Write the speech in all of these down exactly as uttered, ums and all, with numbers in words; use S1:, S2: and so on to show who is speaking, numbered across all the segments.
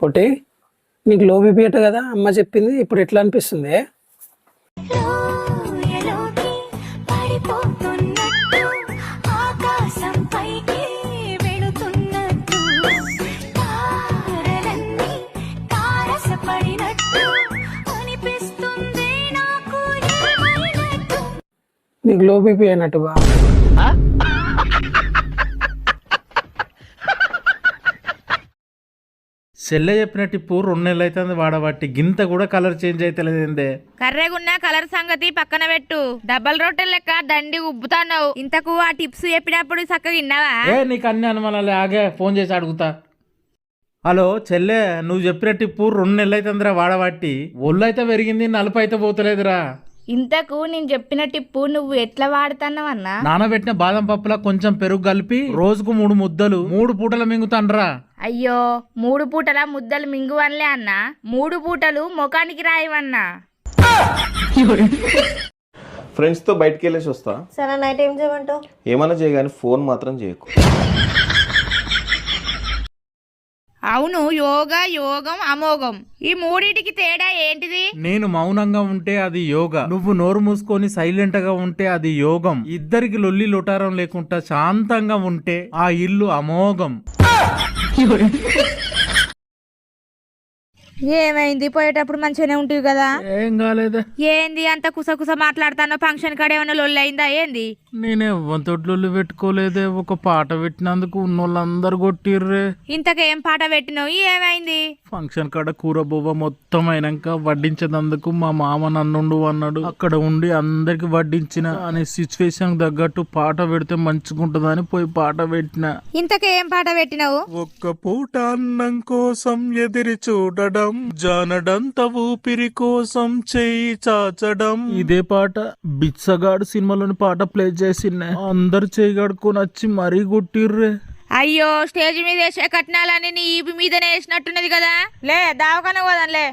S1: పొట్టి నీకు low BP అట కదా అమ్మ చెప్పింది, ఇప్పుడు ఎట్లా అనిపిస్తుంది? నీకు లో బీపీ అయినట్టు బా.
S2: సెల్లె చెప్పినట్టు ఇప్పుడు రెండు నెలలు అవుతుంది వాడబట్టి గింత కూడా కలర్ చేంజ్ అయితలేదేందే.
S3: కర్రెగున్న కలర్ సంగతి పక్కన పెట్టు, డబల్ రొట్టెల లెక్క దండి ఉబ్బుతాన్నావు. ఇంతకు ఆ టిప్స్ చెప్పినప్పుడు చక్కగా విన్నావా?
S2: ఏ నీకు అన్ని అనుమానాలే, ఆగే ఫోన్ చేసి అడుగుతా. హలో చెల్లె, నువ్వు చెప్పినట్టు ఇప్పుడు రెండు నెలలు అవుతుందిరా వాడబట్టి, ఒళ్ళు అయితే పెరిగింది, నలుపు అయితే పోతలేదురా.
S3: ఇంతకు నేను చెప్పిన టిప్పు నువ్వు ఎట్లా వాడుతున్నావన్నా?
S2: నానబెట్టిన బాదం పప్పులా కొంచెం పెరుగు కలిపి రోజుకు మూడు ముద్దలు మూడు పూటలు మింగుతాండ్రా.
S3: అయ్యో, మూడు పూటల ముద్దలు మింగువన్లే అన్న, మూడు పూటలు ముఖానికి రాయవన్నా.
S4: ఫ్రెండ్స్ తో బయటకు వెళ్ళేసి వస్తా.
S5: సరే నైట్ ఏం చేయమంటావు?
S4: ఏమన్నా చేయగాని ఫోన్ మాత్రం చేయకు.
S3: అవును, యోగా యోగం అమోఘం, ఈ మూడిటికి తేడా ఏంటిది?
S2: నేను మౌనంగా ఉంటే అది యోగా, నువ్వు నోరు మూసుకొని సైలెంట్ గా ఉంటే అది యోగం. ఇద్దరికి లొల్లి లొటారం లేకుండా శాంతంగా ఉంటే ఆ ఇల్లు అమోఘం.
S3: ఏమైంది? పోయేటప్పుడు మంచిగానే ఉంటుంది కదా.
S2: ఏం కాలేదా?
S3: ఏంది అంత కుసకుస మాట్లాడుతానో? ఫంక్షన్ కాడ ఏమైనా లొల్లి అయిందా ఏంది?
S2: నేనే వంతొడ్లు పెట్టుకోలేదే, ఒక పాట పెట్టినందుకు ఉన్నోళ్ళందరు కొట్టిర్రే.
S3: ఇంతకేం పాట పెట్టినావు? ఏమైంది?
S2: ఫంక్షన్ కాడ కూర బువ్వ మొత్తం అయినాక వడ్డించేందుకు మా మామ నన్నుండు అన్నాడు. అక్కడ ఉండి అందరికి వడ్డించిన అనే సిచ్యువేషన్ తగ్గట్టు పాట పెడితే మంచిగుంటదని పోయి పాట పెట్టిన.
S3: ఇంతకేం పాట పెట్టినావు?
S2: ఒక్క పూట అన్నం కోసం ఎదిరి చూడడం, జానడంత ఊపిరి కోసం చెయ్యి చాచడం. ఇదే పాట బిచ్చగాడు సినిమాలోని పాట ప్లే చేసిన అందరు చేయి కడుక్కొని వచ్చి మరీ కొట్టిర్రే.
S3: అయ్యో, స్టేజ్ మీద వేసే కట్నాలని నీ ఈపి మీదనే వేసినట్టున్నది కదా. లే దావకాన పోదాంలే.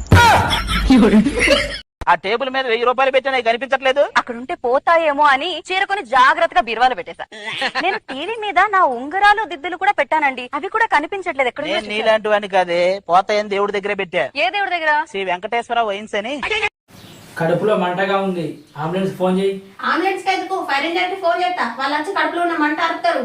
S6: ఆ టేబుల్ మీద వెయ్యి రూపాయలు పెట్టినా కనిపించట్లేదు.
S5: అక్కడుంటే పోతాయేమో అని చీరకొని జాగ్రత్తగా బీరువాలో పెట్టేశా. నేను టీవీ మీద నా ఉంగరాలు దిద్దులు కూడా పెట్టానండి, అవి కూడా కనిపించట్లేదు. ఎక్కడ
S6: నేను నీలాంటి వాడిని కాదే, పోతాయని దేవుడి దగ్గర పెట్టా.
S5: ఏ దేవుడి దగ్గర?
S6: శ్రీ వెంకటేశ్వర వైన్స్ అని.
S1: కడుపులో మంటగా ఉంది, అంబులెన్స్ ఫోన్ చేయి.
S5: అంబులెన్స్ ఎందుకు? ఫైర్ ఇంజన్ కి ఫోన్ చేస్తా, వాళ్ళు వచ్చి కడుపులో ఉన్న మంట ఆపుతారు.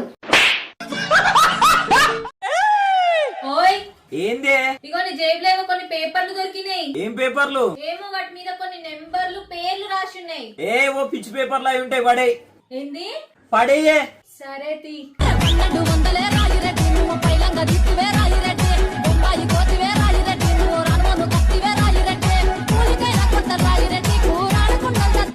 S6: ఓయ్ ఏందే?
S7: ఇగో నీ జేబులో ఏమో కొన్ని పేపర్లు దొరికినాయి.
S6: ఏం పేపర్లు?
S7: ఏమో వాటి మీద కొన్ని నెంబర్లు పేర్లు రాసి ఉన్నాయి.
S6: ఏ ఓ పిచ్చి పేపర్లు అవి ఉంటాయి, పడే.
S7: ఏంది?
S6: పడేయే.
S7: సరే తీ.
S5: పన్నెండు వందలే రాయి రెడ్డి, నువ్వు పైలంగా దిక్కువే రాయి రెడ్డి.